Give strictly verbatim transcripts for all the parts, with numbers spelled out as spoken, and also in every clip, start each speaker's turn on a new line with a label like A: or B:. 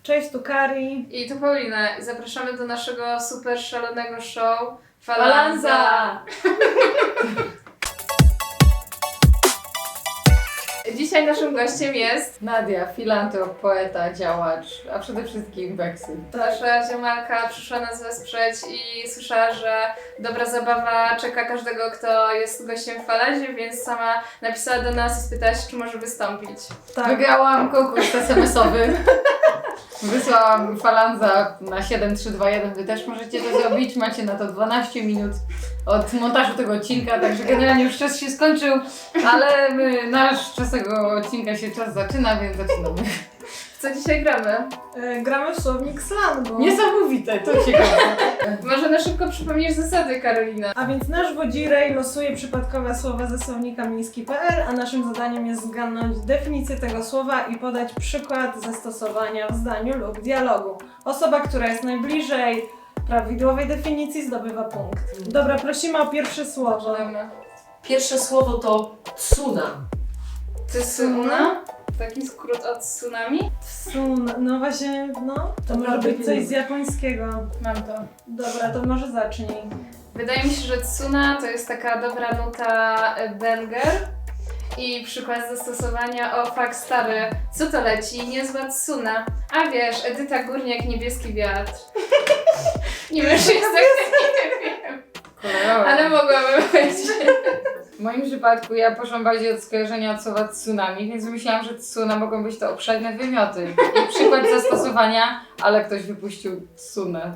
A: Cześć, tu Kari.
B: I tu Paulina. I zapraszamy do naszego super szalonego show
A: Falanza!
B: Falanza! Dzisiaj naszym gościem jest
C: Nadia, filantrop, poeta, działacz, a przede wszystkim Beksy.
B: nasza ziomalka, przyszła nas wesprzeć i słyszała, że dobra zabawa czeka każdego, kto jest gościem w Falanzie, więc sama napisała do nas i spytała się, czy może wystąpić.
A: Tak.
C: Wygrałam konkurs es em esowy. Wysłałam Falanza na siedem trzy dwa jeden. Wy też możecie to zrobić. Macie na to dwanaście minut od montażu tego odcinka, także generalnie już czas się skończył, ale my, nasz czas tego odcinka się czas zaczyna, więc zaczynamy.
B: W co dzisiaj gramy?
A: E, gramy w słownik slangu.
C: Niesamowite, to ciekawe.
B: Może na szybko przypomnisz zasady, Karolina.
A: A więc nasz wodzirej losuje przypadkowe słowa ze słownika miejski kropka pe el, a naszym zadaniem jest zgadnąć definicję tego słowa i podać przykład zastosowania w zdaniu lub dialogu. Osoba, która jest najbliżej prawidłowej definicji, zdobywa punkt. Dobra, prosimy o pierwsze słowo.
B: Zaczynamy.
D: Pierwsze słowo to tsuna.
B: Tsuna? Taki skrót od tsunami?
A: Tsun, no właśnie, no. To może
D: prawda,
A: być coś
D: nie.
A: z japońskiego.
B: Mam to.
A: Dobra, to może zacznij.
B: Wydaje mi się, że tsuna to jest taka dobra nuta e, banger. I przykład zastosowania, o fakt stary, co to leci? Niezła tsuna. A wiesz, Edyta Górniak, niebieski wiatr. Nie wiesz, jest tak, nie wiem.
C: Kolorowe.
B: Ale mogłabym powiedzieć.
C: W moim przypadku ja poszłam bardziej od skojarzenia od słowa tsunami, więc myślałam, że tsuna mogą być to obszerne wymioty. I przykład zastosowania, ale ktoś wypuścił tsunę.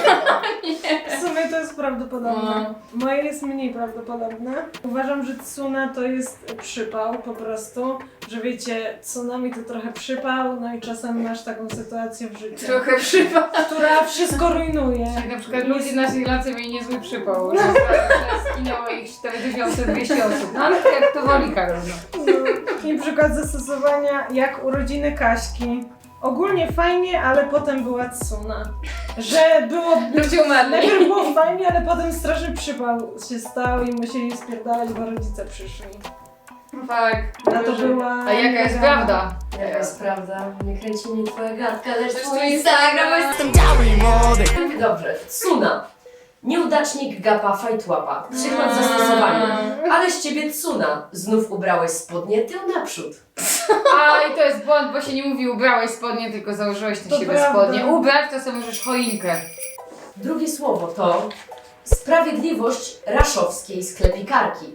A: W sumie to jest prawdopodobne.
B: No.
A: Moje jest mniej prawdopodobne. Uważam, że tsuna to jest przypał po prostu, że wiecie, tsunami to trochę przypał, no i czasem masz taką sytuację w życiu,
B: Trochę przypał.
A: która wszystko rujnuje.
C: Jak na przykład ludzie na Sri Lance mieli niezły przypał, że że zginęło ich cztery tysiące dwieście osób. No ale to jak to woli, Karol. No.
A: No. I przykład zastosowania jak urodziny Kaśki. Ogólnie fajnie, ale potem była tsuna. Że było...
B: Ludzie umarli.
A: Najpierw było fajnie, ale potem straszny przypał się stał i musieli spierdalać, bo rodzice przyszli.
B: Tak.
A: A to była...
C: A jaka jest
A: mega-
C: prawda?
D: Jaka jest prawda? Nie kręci mnie twoja gadka, lecz
B: Lecz
D: twój
B: twój
D: Instagram
B: Instagram.
D: jest... Dobrze, tsuna. Nieudacznik gapa fajtłapa. Przykład
B: Mm.
D: zastosowania. Ale z ciebie tsuna. Znów ubrałeś spodnie tył naprzód.
C: A i to jest błąd, bo się nie mówi ubrałeś spodnie, tylko założyłeś na
A: To
C: siebie
A: prawda.
C: spodnie. Ubrać to sobie możesz choinkę.
D: Drugie słowo to sprawiedliwość raszowskiej sklepikarki.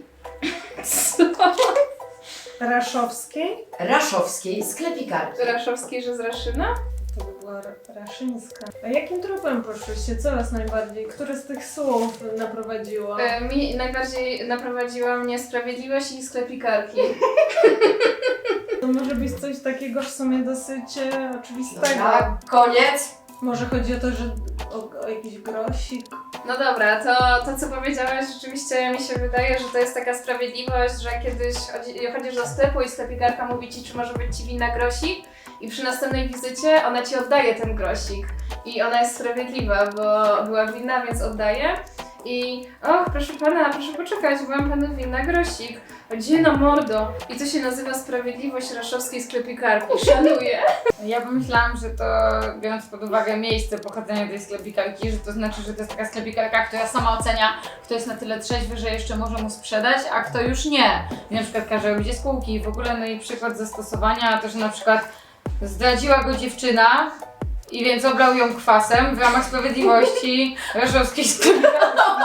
A: Raszowskiej?
D: Raszowskiej sklepikarki.
B: Raszowskiej, że z Raszyna?
A: To by była ra- raszyńska. A jakim tropem poszłyście? Co was najbardziej? Które z tych słów naprowadziło?
B: E, mi najbardziej naprowadziła mnie sprawiedliwość i sklepikarki.
A: To może być coś takiego w sumie dosyć e, oczywistego.
D: Dobra, koniec.
A: Może chodzi o to, że o, o jakiś grosik.
B: No dobra, to, to co powiedziałaś, rzeczywiście mi się wydaje, że to jest taka sprawiedliwość, że kiedyś chodzi, chodzisz do sklepu i sklepikarka mówi ci, czy może być ci winna grosik i przy następnej wizycie ona ci oddaje ten grosik i ona jest sprawiedliwa, bo była winna, więc oddaje i och, proszę pana, proszę poczekać, byłam panu winna grosik. Gdzie na mordo? I to się nazywa sprawiedliwość raszowskiej sklepikarki. Szanuję.
C: Ja pomyślałam, że to biorąc pod uwagę miejsce pochodzenia tej sklepikarki, że to znaczy, że to jest taka sklepikarka, która sama ocenia, kto jest na tyle trzeźwy, że jeszcze może mu sprzedać, a kto już nie. I na przykład każe robić spółki i w ogóle, no i przykład zastosowania, to że na przykład zdradziła go dziewczyna i więc oblał ją kwasem w ramach sprawiedliwości raszowskiej sklepikarki.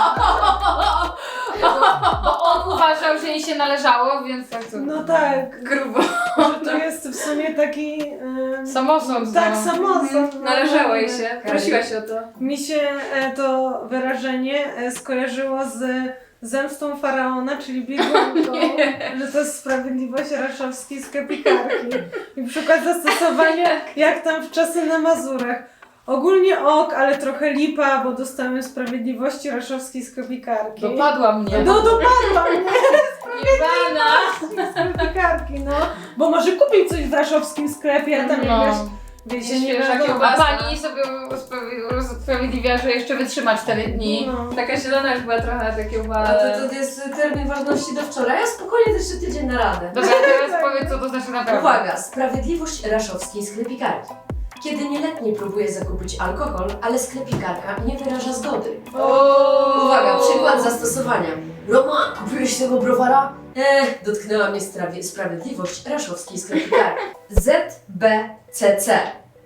C: Bo, bo on uważał, że jej się należało, więc tak to...
A: No tak,
B: Grubo.
A: że to jest w sumie taki... em,
C: Samosąd,
A: Tak,
C: no.
A: samosąd. no.
B: Należało jej się. Prosiłaś o to.
A: Mi się e, to wyrażenie e, skojarzyło z zemstą faraona, czyli biegunką, że to jest sprawiedliwość raszowskiej sklepikarki. I przykład zastosowania, jak tam w czasy na Mazurach. Ogólnie ok, ale trochę lipa, bo dostałem sprawiedliwości raszowskiej sklepikarki.
C: Dopadła mnie.
A: No dopadła mnie
B: Jebana!
A: sklepikarki, no. Bo może kupić coś w raszowskim sklepie, a tam
C: No.
A: jakaś, wiecie, nie
B: Świeża
A: wiadomo.
C: A
B: kiełbasa.
C: pani sobie usprawi- usprawiedliwia, że jeszcze wytrzyma cztery dni.
A: No.
B: Taka zielona już była trochę takie
D: A
B: ale...
D: to, to jest termin ważności do wczoraj, a spokojnie też jeszcze tydzień na radę.
C: Dobra, teraz powiedz, co to znaczy naprawdę.
D: Uwaga, sprawiedliwość raszowskiej sklepikarki. Kiedy nieletni próbuje zakupić alkohol, ale sklepikarka nie wyraża zgody.
B: O!
D: Uwaga, przykład zastosowania. Roma, kupiłeś tego browara? Eh, dotknęła mnie strawie- sprawiedliwość raszowskiej sklepikarki. Z B C C.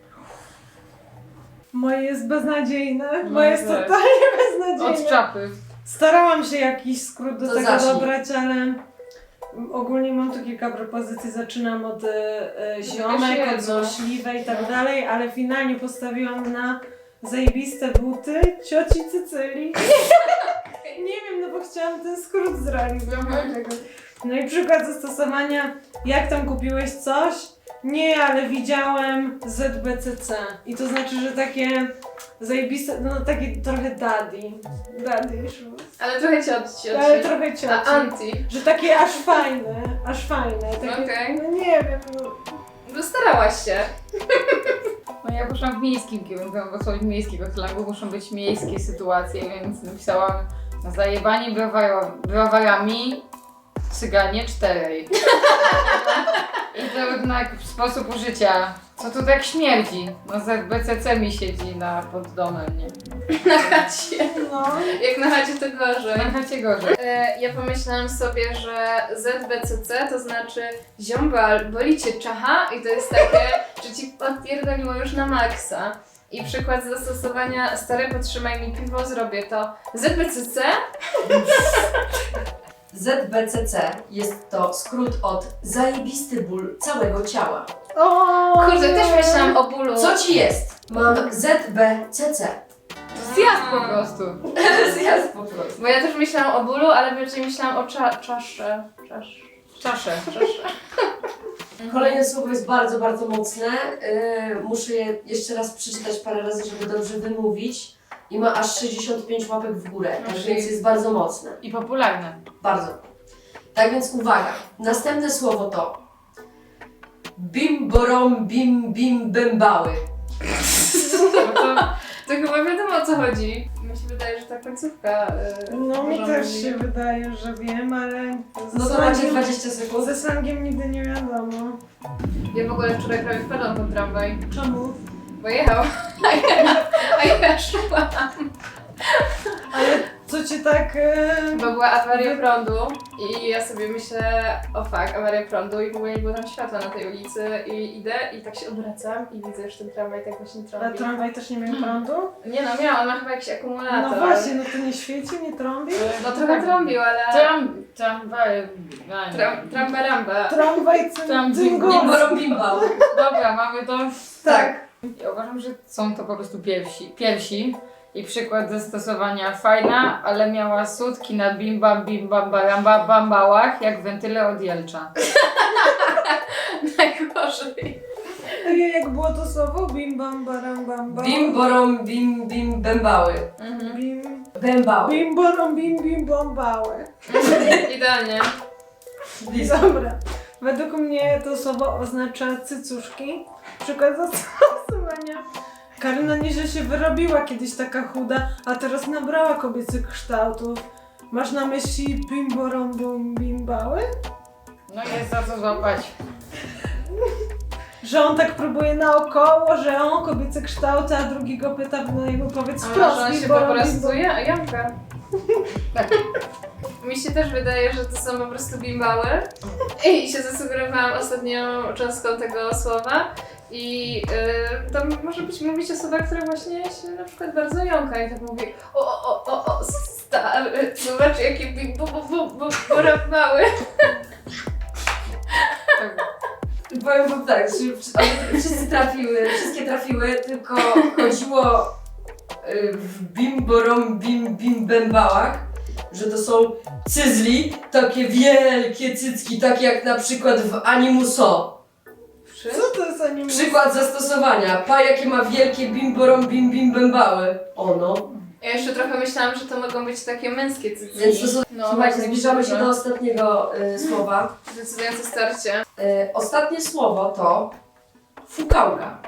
A: Moje jest beznadziejne.
C: No
A: Moje jest
C: tak.
A: totalnie
C: Od
A: beznadziejne.
C: czapy.
A: Starałam się jakiś skrót do
D: To
A: tego
D: zacznij.
A: dobrać, ale ogólnie mam tu kilka propozycji. Zaczynam od e, e, ziomek,
B: jedno.
A: od złośliwej i tak dalej, ale finalnie postawiłam na zajebiste buty cioci Cycylii. Nie wiem, no bo chciałam ten skrót zrealizować. No i przykład zastosowania, jak tam kupiłeś coś? Nie, ale widziałem Z B C C. I to znaczy, że takie zajebiste, no takie trochę daddy. Daddy issues.
B: Ale trochę cioci.
A: Ale trochę cioci.
B: A anti.
A: Że takie aż fajne, aż fajne. Takie,
B: Okej.
A: No nie wiem, no.
B: No starałaś się.
C: No ja poszłam w miejskim kierunku, bo słowo miejskiego slangu muszą być miejskie sytuacje, więc napisałam zajebani browaro- browarami cyganie czterej. I to jednak sposób użycia. Co tu tak śmierdzi? No Z B C C mi siedzi na pod domem, nie?
B: Na chacie.
A: No.
B: Jak na chacie to gorzej.
C: Na chacie gorzej.
B: E, Ja pomyślałam sobie, że Z B C C to znaczy ziombal, boli cię czacha i to jest takie, że ci odpierdoliło już na maksa. I przykład zastosowania stary podtrzymaj mi piwo, zrobię to. Z B C C?
D: Z B C C jest to skrót od zajebisty ból całego ciała.
A: O,
B: Kurde,
A: nie.
B: też myślałam o bólu.
D: Co ci jest? Mam Z B C C.
C: Zjazd po prostu.
D: Zjazd po prostu.
B: Bo ja też myślałam o bólu, ale bardziej myślałam o cza czasze. Czasz.
C: Czasze.
B: Czasze.
D: Kolejne słowo jest bardzo, bardzo mocne. Yy, muszę je jeszcze raz przeczytać parę razy, żeby dobrze wymówić. I ma aż sześćdziesiąt pięć łapek w górę, tak
C: Czyli-
D: więc jest bardzo mocne.
C: I popularne.
D: Bardzo. Tak więc uwaga. Następne słowo to bim borom bim bim bębały.
C: No to
B: To chyba wiadomo o co chodzi. Mi się wydaje, że ta końcówka. Yy,
A: No mi
B: może
A: też
B: mówi-
A: się wydaje, że wiem, ale
D: No
A: ze
D: to macie
A: slangiem,
D: dwadzieścia sekund.
A: ze slangiem nigdy nie wiadomo.
B: Ja w ogóle wczoraj prawie wpadłam pod tramwaj,
A: Czemu?
B: bo jechał. A ja, a ja szłam.
A: Ale co cię tak... E...
B: Bo była awaria prądu i ja sobie myślę, o fuck, awaria prądu i w ogóle nie było tam światła na tej ulicy i idę i tak się odwracam i widzę, że ten tramwaj tak właśnie
A: A
B: trąbi.
A: tramwaj też nie miał prądu?
B: Nie no, miał, on ma chyba jakiś akumulator.
A: No właśnie, no to nie świeci, nie trąbi?
B: No trochę trąbił, ale...
C: Tram, tramwaj,
B: Tram, tramba-ramba.
A: Tramwaj cym,
C: Tam
A: tym
C: bim-
D: Bim
A: głosem.
D: borom bimbały.
C: Dobra, mamy to.
A: Tak.
C: Ja uważam, że są to po prostu pierwsi. Pierwsi. I przykład zastosowania fajna, ale miała sutki na bim bam bim bam baramba bambałach jak wentyle od Jelcza.
B: Najgorzej.
A: Ojej, jak było to słowo? Bim bam baram bam bam.
D: Bim borom bim bim bębały.
B: Mhm.
A: Bim,
D: Bębały.
A: bim borom bim bim bombały.
B: Idealnie.
A: Dobra. Według mnie to słowo oznacza cycuszki. Przykład zastosowania. Karyna nieźle się wyrobiła, kiedyś taka chuda, a teraz nabrała kobiecych kształtów. Masz na myśli bim borom bum bimbały?
C: No jest za co złapać.
A: Że on tak próbuje naokoło, że on kobiece kształty, a drugi go pyta, no jakby powiedz
B: A
A: wprost.
B: może on
A: bim
B: się po
A: borom, bim
B: prostu
A: bom.
B: ja, Janka. Mi się też wydaje, że to są po prostu bimbały. I się zasugerowałam ostatnią cząstką tego słowa. I yy, to może być mówić osoba, która właśnie się na przykład bardzo jąka i tak mówi o, o, o, o, stary, zobacz jakie bim, bu, bu, bu, bu, mały.
D: Powiem wam tak, że one wszyscy trafiły, wszystkie trafiły, tylko chodziło y, w bim borom bim bim bębałach, że to są cyzli, takie wielkie cycki, takie jak na przykład w Animuso.
A: Co to jest anime?
D: Przykład zastosowania. Pa jakie ma wielkie bim borom bim bim bębały. Ono.
B: Ja jeszcze trochę myślałam, że to mogą być takie męskie cycki.
D: Więc to są,
B: No,
D: słuchajcie,
B: bardzo
D: zbliżamy się
B: duże.
D: do ostatniego y, słowa.
B: Decydujące starcie.
D: Y, ostatnie słowo to fukałka.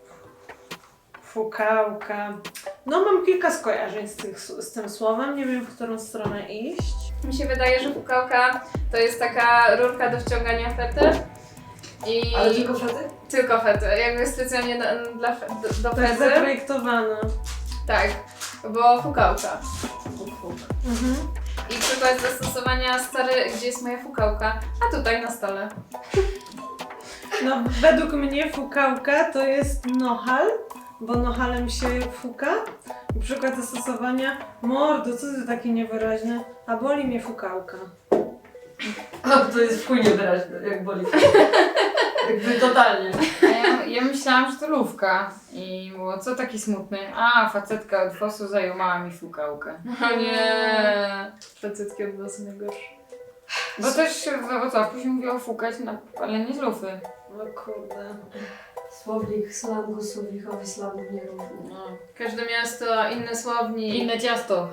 A: Fukałka. No mam kilka skojarzeń z, tych, z tym słowem, nie wiem w którą stronę iść.
B: Mi się wydaje, że pukałka to jest taka rurka do wciągania fety. I...
D: Ale tylko fety?
B: Tylko fety, jakby specjalnie na, dla, fe- do, do
A: To jest
B: fety.
A: zaprojektowane.
B: Tak, bo fukałka. Fuk, fuk.
A: Mhm.
B: I przykład zastosowania stary, gdzie jest moja fukałka, a tutaj na stole.
A: No, według mnie fukałka to jest nohal, bo nohalem się fuka. I przykład zastosowania mordo, co ty taki niewyraźny, a boli mnie fukałka.
D: A to jest w chuj niewyraźne, jak boli. Jakby totalnie.
C: A ja, ja myślałam, że to lówka. I było, co taki smutny? A, facetka od fosu zajumała mi fukałkę.
B: O nie, facytki od was najgorsze.
C: Bo też w Wrocławku się mówiło fukać, na, ale nie z lufy.
A: No kurde.
D: Słownik slangu, słownikowi slangu nierówny.
C: No.
B: Każde miasto, inny słownik.
C: Inne ciasto.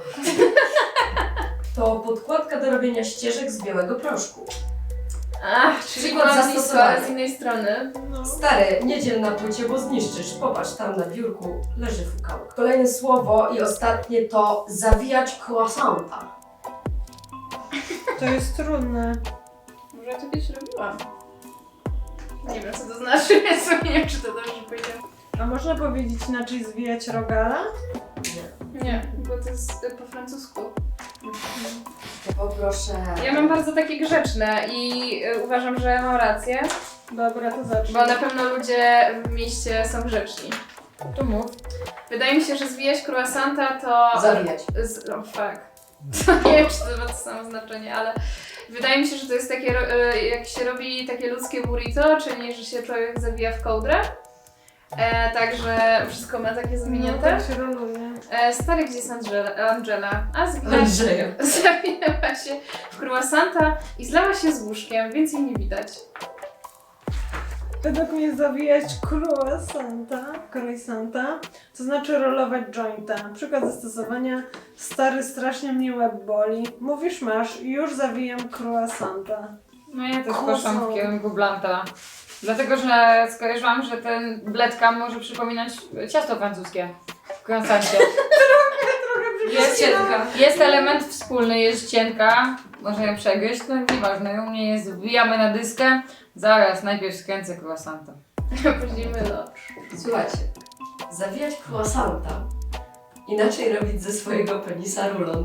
D: To podkładka do robienia ścieżek z białego proszku.
B: Ach, czyli
D: Przykład
B: kłamstwo,
D: zastosowania.
B: ale z innej strony.
A: No.
D: Stary, nie dziel na płycie, bo zniszczysz. Popatrz, tam na biurku leży fukałka. Kolejne słowo i ostatnie to zawijać croissanta.
A: To jest trudne.
B: Może ja to kiedyś robiłam. Nie wiem co to znaczy, więc nie wiem czy to dobrze powiedziałam.
A: A można powiedzieć inaczej zwijać rogala?
D: Nie.
B: Nie, bo to jest y, po francusku.
D: Poproszę.
B: Ja mam bardzo takie grzeczne i y, uważam, że mam rację,
A: Dobra, to zacznij.
B: bo na pewno ludzie w mieście są grzeczni.
C: To mów.
B: Wydaje mi się, że zwijać croissanta to...
D: Zawijać.
B: Z, oh fuck. To nie wiem, czy to ma to samo znaczenie, ale wydaje mi się, że to jest takie, ro- y, jak się robi takie ludzkie burrito, czyli że się człowiek zawija w kołdrę. E, także wszystko ma takie
A: No,
B: zawinięte.
A: tak się roluje.
B: E, stary, gdzie jest Angela? Angela? A zwinęła się,
D: Andrzeja.
B: zawinęła się w croissanta i zlała się z łóżkiem, więcej nie widać.
A: Według mnie zawijać croissanta, croissanta, to znaczy rolować jointa. Przykład zastosowania, stary, strasznie mnie łeb boli. Mówisz, masz, już zawijam croissanta.
C: No ja też
A: Kozą.
C: poszłam w kierunku blanta. Dlatego, że skojarzyłam, że ten bledka może przypominać ciasto francuskie w croissancie. Jest,
D: cienka.
C: jest element wspólny, jest cienka, można ją przegryźć, no nieważne, u mnie jest, wbijamy na dyskę, zaraz, najpierw skręcę croissanta.
B: Później mylę.
D: Słuchajcie, zawijać croissanta. Inaczej robić ze swojego penisa rulon.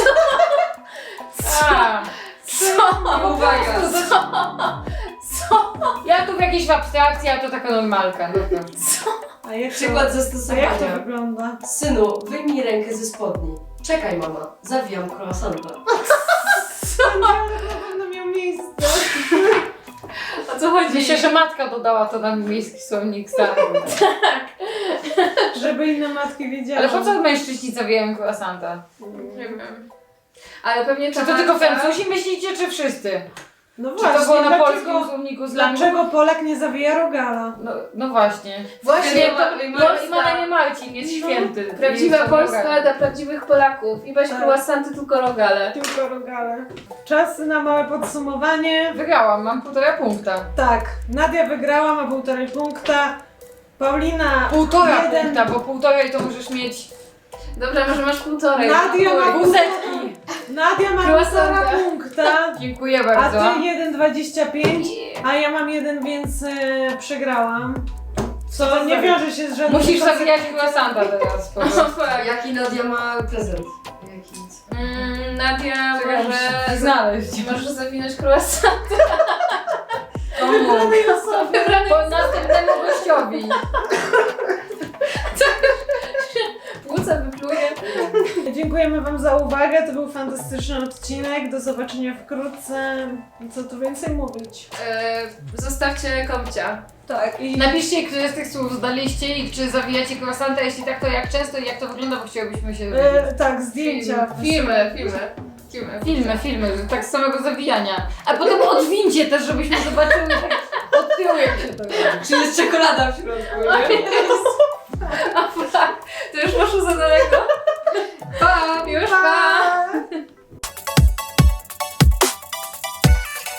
C: A,
B: Co?
D: Uwaga!
C: co? Ja tu w jakiejś abstrakcji, a to taka normalka. No to.
A: A jak
D: Przykład
A: to, a jak to
D: zastosowania.
A: wygląda?
D: Synu, wyjmij rękę ze spodni. Czekaj mama, zawijam croissanta.
A: Ale na pewno miał miejsce.
B: O co chodzi?
C: Myślę, że matka dodała to na miejski słownik stanu.
A: Żeby inne matki wiedziały.
C: Ale po co mężczyźni zawijają croissanta?
B: Nie wiem. Ale pewnie
C: Czy
B: ta
C: to tylko
B: matka-
C: Francuzi myślicie, czy wszyscy?
A: No
C: Czy
A: właśnie,
C: to było na
A: dlaczego,
C: polskim słowniku slangu?
A: dlaczego Polak nie zawija rogala?
C: No, no właśnie.
B: Właśnie,
C: to,
B: ma-
C: no, i ma
B: Polska.
C: na imię Marcin, jest
A: No,
C: święty.
B: Prawdziwa
C: Jest
B: Polska
C: Polska.
B: dla prawdziwych Polaków. I weź
A: Tak.
B: croissanty, tylko rogale.
A: Tylko rogale. Czas na małe podsumowanie.
C: Wygrałam, mam półtora punkta.
A: Tak, Nadia wygrała, ma półtorej punkta. Paulina
C: Półtora
A: jeden.
C: punkta, bo półtorej to możesz mieć
B: Dobra, może masz półtorej.
A: Nadia ma
B: Chuj.
C: pół setki.
A: Nadia ma
B: Croissanta.
A: półtora punkta,
C: Dziękuję
A: a
C: bardzo.
A: ty jeden dwadzieścia pięć, a ja mam jeden, więc e, przegrałam. Co nie wiąże się z żadnym...
C: Musisz
A: konsekwencją.
C: zawijać croissanta teraz. po
B: O,
C: prostu.
B: fuck.
D: Jaki Nadia ma prezent? Jaki?
B: Mm, Nadia
C: Czekaj,
B: może,
C: muszę znaleźć.
B: może zawinąć croissant.
C: Komu?
A: Wybranej osoby.
B: Wybrany
C: Po następnemu gościowi.
B: płuca wypluje.
A: Dziękujemy wam za uwagę, to był fantastyczny odcinek. Do zobaczenia wkrótce. Co tu więcej mówić?
B: E, zostawcie komcia.
A: Tak, i
C: Napiszcie, które z tych słów zdaliście i czy zawijacie croissanta, jeśli tak, to jak często i jak to wygląda, bo chcielibyśmy się dowiedzieć.
A: e, tak, zdjęcia.
B: Filmy, filmy. Filmy.
C: Filmy, filmy, że tak z samego zawijania. A potem odwincie też, żebyśmy zobaczyły tak od tyłu jak się to robi.
D: Czy jest czekolada w środku, nie?